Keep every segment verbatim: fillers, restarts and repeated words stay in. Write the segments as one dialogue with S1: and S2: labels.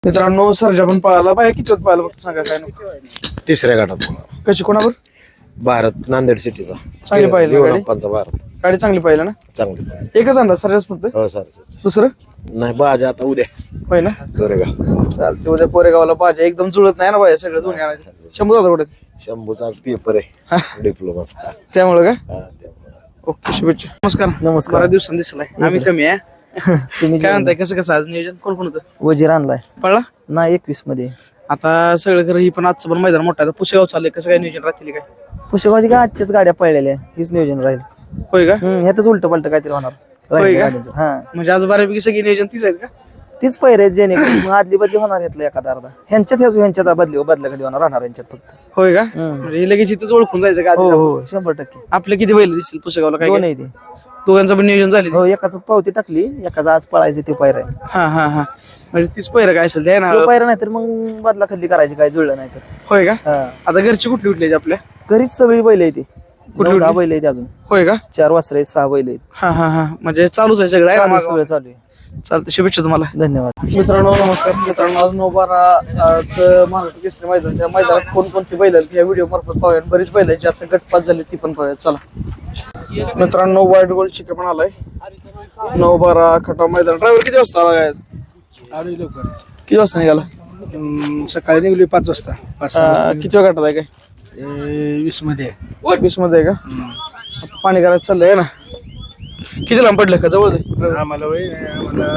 S1: मित्रांनो सर्जा पण पळाला बाय किती होत पळाला फक्त सांगा काय नको.
S2: तिसऱ्या गटात
S1: कशी कोणावर
S2: भारत नांदेड सिटीचा
S1: चांगली पाहिली ना गाडी?
S2: जीवनाप्पांचा भारत
S1: गाडी चांगली पाहिलं ना.
S2: चांगली
S1: एकच अंदाज सर्जाच फक्त
S2: हो सर
S1: दुसरं
S2: नाही बाजा आता उद्या
S1: होय ना.
S2: कोरेगाव
S1: चालते उद्या पोरेगावला पाहिजे एकदम जुळत नाही ना बाय सगळं दोन्ही आणायचं. शंभू जाता कुठे
S2: शंभूचा आज पेपर आहे डिप्लोमाचा
S1: त्यामुळे का
S2: हा त्यामुळे
S1: ओके शुभेच्छा. नमस्कार
S3: नमस्कार.
S1: बऱ्याच दिवसांनी दिसलाय आम्ही कमी आहे.
S3: तुम्ही
S1: काय म्हणताय कसं कसं आज नियोजन कोण कोण होतं
S3: वजीर आणलाय
S1: पळला
S3: ना एकवीस मध्ये.
S1: आता सगळं खरं ही पण आजचं पण मैदान मोठं आहे. आता पुसेगाव चाललंय कसं काय नियोजन राहतील काय
S3: पुष्कळची काय आजच्याच गाड्या पळलेल्या हीच नियोजन राहील.
S1: होय का
S3: हम्म, ह्यातच उलट पलट काहीतरी होणार
S1: होय
S3: राहील
S1: का?
S3: गाड्यांचं. हा
S1: म्हणजे आज बऱ्यापैकी सगळी नियोजन तीच आहेत का
S3: तीच पैरे जेणे मग आदली बदली होणार ह्यातलं एखादा अर्धा ह्यांच्यात ह्याच- ह्यांच्यात बदली बदल्या कधी होणार राहणार यांच्यात फक्त.
S1: होय का
S3: हम्म.
S1: म्हणजे हे लगेच इथंच ओळखून जायचं का
S3: हो
S1: आधीच?
S3: हो शंभर टक्के.
S1: आपले किती बैल दिसतील पुसेगावला काय
S3: दोन
S1: काय?
S3: आहे ते.
S1: दोघांचं पण नियोजन झाले
S3: हो एकाच पावती टाकली एकाचा आज पळायचे ते पैर आहे.
S1: हा हा हा म्हणजे तीच पहिरं काय असेल ते ना
S3: तो पैर नाही तर मग बदला खाली करायची काय जुळलं नाही तर.
S1: होय का
S3: हा
S1: आता घरची कुठली कुठली आहेत आपल्या
S3: घरीच सगळी बैल आहे ती
S1: कुठली
S3: नऊ दहा
S1: कुठली?
S3: बैल आहेत अजून
S1: होय का
S3: चार वाजता आहेत सहा बैल आहेत.
S1: हा हा हा म्हणजे चालूच आहे सगळं आहे ना
S3: चालू आहे,
S1: मागं?
S3: सगळं चालू आहे.
S1: चालतं शुभेच्छा तुम्हाला.
S3: धन्यवाद.
S1: मित्रांनो नमस्कार. मित्रांनो आज नऊ बारा आज महाराष्ट्र केसरी मैदान त्या मैदानात कोणकोणती बैल आहेत या व्हिडिओ मार्फत पाहूया. बरीच बैल आहेत जी आता गटपात झाली ती पण पाहूया चला. मित्रांनो वाईट गोल्ड चिके पण आलाय नऊ बारा खटाव मैदान. ड्रायव्हर किती वाजता आला काय
S4: आलोय लवकर.
S1: किती वाजता निघाला
S4: अं, सकाळी निघली पाच वाजता पाच सहा वाजता.
S1: अं, किती वेळ गटात आहे काय
S4: ए, वीस मध्ये
S1: वीस मध्ये आहे का आता पाणी करायचं चाललंय ना. किती लांब पडलं का जवळ आहे?
S4: आम्हाला वय आम्हाला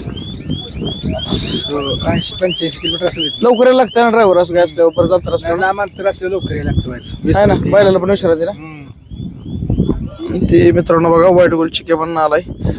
S4: ऐंशी पंच्याऐंशी किलोमीटर असेल.
S1: लवकर यायला लागतं ना ड्रायव्हर असं काय असल्यावर बरं चालतं असल्यावर
S4: लांब अंतर असलं लवकर यायला लागतं व्हायचं. वीस
S1: आहे ना
S4: मध्ये.
S1: बैलाला पण विचारायला ना.
S4: हम्म.
S1: ते मित्रांनो बघा वाईट गोल चिके पण आलाय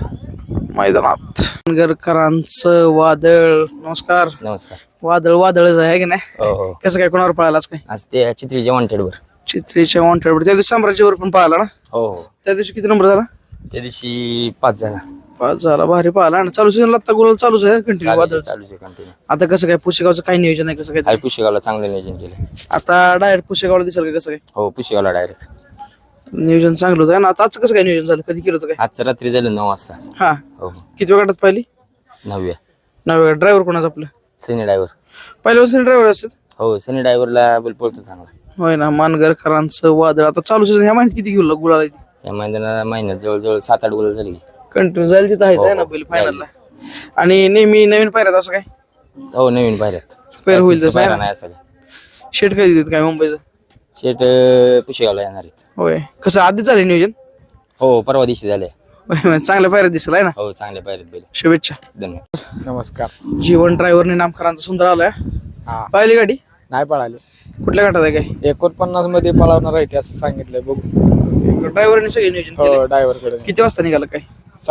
S1: मैदानात. गरकरांचं वादळ नमस्कार.
S5: नमस्कार.
S1: वादळ वादळच आहे की नाही
S5: हो हो
S1: कसं काय कोणावर पळालाच काय
S5: आज ते चित्रीच्या वॉन्टेड वर.
S1: चित्रीच्या वॉन्टेड त्या दिवशी साम्राज्यावर पण पळाला ना.
S5: हो हो
S1: त्या दिवशी किती नंबर झाला
S5: त्या दिवशी पाच जण
S1: पाच झाला भारी पळाला ना. चालू सीझनला आता गोल चालूच आहे कंटिन्यू वादळ.
S5: चालूच आहे कंटिन्यू.
S1: आता कसं काय पुशेगावचं काय नियोजन आहे कसं काय
S5: हाय पुशेगावला चांगलं नियोजन केलं.
S1: आता डायरेक्ट पुशेगावला दिसेल का कसं काय
S5: हो पुशेगावला डायरेक्ट.
S1: नियोजन चांगलं होतं ना. आता आजचं कसं काय नियोजन झालं कधी केलं होतं काय
S5: आजचं रात्री झालं नऊ वाजता.
S1: हा
S5: हो हो
S1: किती वेळ गटात पाहिली
S5: नवव्या.
S1: नव्या ड्रायव्हर कोणाचं आपलं
S5: सनी ड्रायव्हर.
S1: पहिल्यापासून ड्रायव्हर असतात
S5: हो सनी ड्रायव्हरला बोल पळतो चांगला.
S1: होय ना. मानगरकरांचं वादळ आता चालू सीझन ह्या महिन्यात किती घेऊ गुलाल
S5: या महिन्याला महिन्यात जवळजवळ सात आठ गोल झाली.
S1: कंटिन्यू जाईल तिथं आहेच आहे ना बैल फायनलला. आणि नेहमी नवीन पायऱ्यात असं काय
S5: हो नवीन पायऱ्यात
S1: पैर होईल तसं आहे
S5: पायरा
S1: ना.
S5: नाही असं काय.
S1: शेट कधी देत काय मुंबईचं
S5: शेट अं, पुशेगावला येणार आहेत.
S1: होय कसं आधीच झालं नियोजन
S5: हो परवा दिवशी झाले.
S1: होय, चांगल्या पायऱ्यात दिसला आहे ना.
S5: हो चांगल्या पायऱ्यात बैल.
S1: शुभेच्छा.
S5: धन्यवाद.
S4: नमस्कार.
S1: जीवन ड्रायव्हरने नामकरांचा सुंदर आलाय
S4: हा
S1: पाहिली गाडी
S4: नाही पळाले.
S1: कुठल्या गटात आहे काय
S4: एकोणपन्नास मध्ये पळवणार आहे ते असं सांगितलंय बघू.
S1: ड्रायव्हरने सगळे नियोजन
S4: हो
S1: केलं.
S4: ड्रायव्हर कडे.
S1: किती वाजता निघाला काय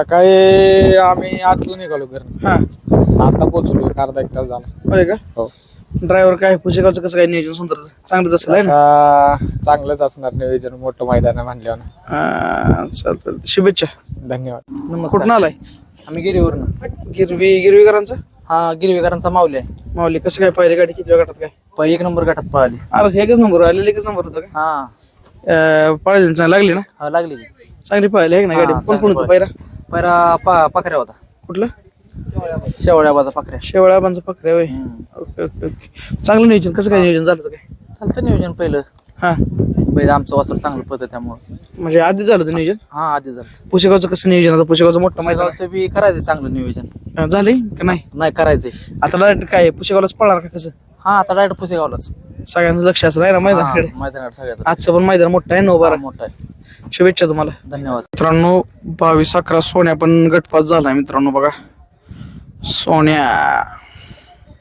S4: सकाळी आम्ही आठला निघालो घरून.
S1: हा
S4: आता पोहोचलो एक अर्धा एक तास झाला.
S1: होय का
S4: हो
S1: ड्रायव्हर काय पुशेगावचं कसं काय नियोजन सुंदर चांगलंच असेल आहे ना.
S4: आता चांगलंच असणार नियोजन मोठं मैदान आहे म्हणल्यावर.
S1: हा, चालतं चालतं. शुभेच्छा.
S4: धन्यवाद.
S1: कुठून आलाय
S3: आम्ही गिरीवरून.
S1: गिरवी गिरवीकरांचा
S3: हा गिरवेकरांचा माऊली आहे.
S1: माऊली कसं काय पाहिजे गाडी किती वेळ गटात काय
S3: पै एक नंबर गटात पळाली.
S1: अरे एकच नंबर आलेला एकच नंबर होता का
S3: हा
S1: पाळायला चांगली लागली ना
S3: हा लागली की.
S1: चांगली पाहिली आहे ना गाडी.
S3: हा,
S1: कोण कोण
S3: चांगली
S1: होतं पायरा
S3: पैरा पा पाखऱ्या होता.
S1: कुठलं
S3: शेवळ्या बाजा पाखऱ्या.
S1: शेवळा बांचा पकड्या होय. ओके ओके ओके चांगलं नियोजन कसं काय नियोजन झालं होतं काय
S3: चालतं नियोजन पहिलं.
S1: हा
S3: बैल आमचं वासर चांगलं पळतं त्यामुळे.
S1: म्हणजे आधी झालं होतं नियोजन.
S3: हा आधी झालं.
S1: पुशेगावचं कसं नियोजन आता पुशेगावचं मोठं मैदान
S3: पुसेगावचं बी करायचं चांगलं नियोजन.
S1: आहे. झालंय का नाही
S3: नाही करायचंय.
S1: आता डायरेक्ट काय पुशेगावलाच पळणार का कसं
S3: हा आता डायरेक्ट पुसेगावलाच.
S1: सगळ्यांचं लक्ष असं आहे ना मैदानाकडे.
S3: हा, मैदानात सगळ्यात
S1: आजचं पण मैदान मोठं आहे नऊ बारा.
S3: मोठा आहे.
S1: शुभेच्छा तुम्हाला.
S3: धन्यवाद.
S1: मित्रांनो बावीस अकरा सोन्या पण गटपात झालाय मित्रांनो बघा सोन्या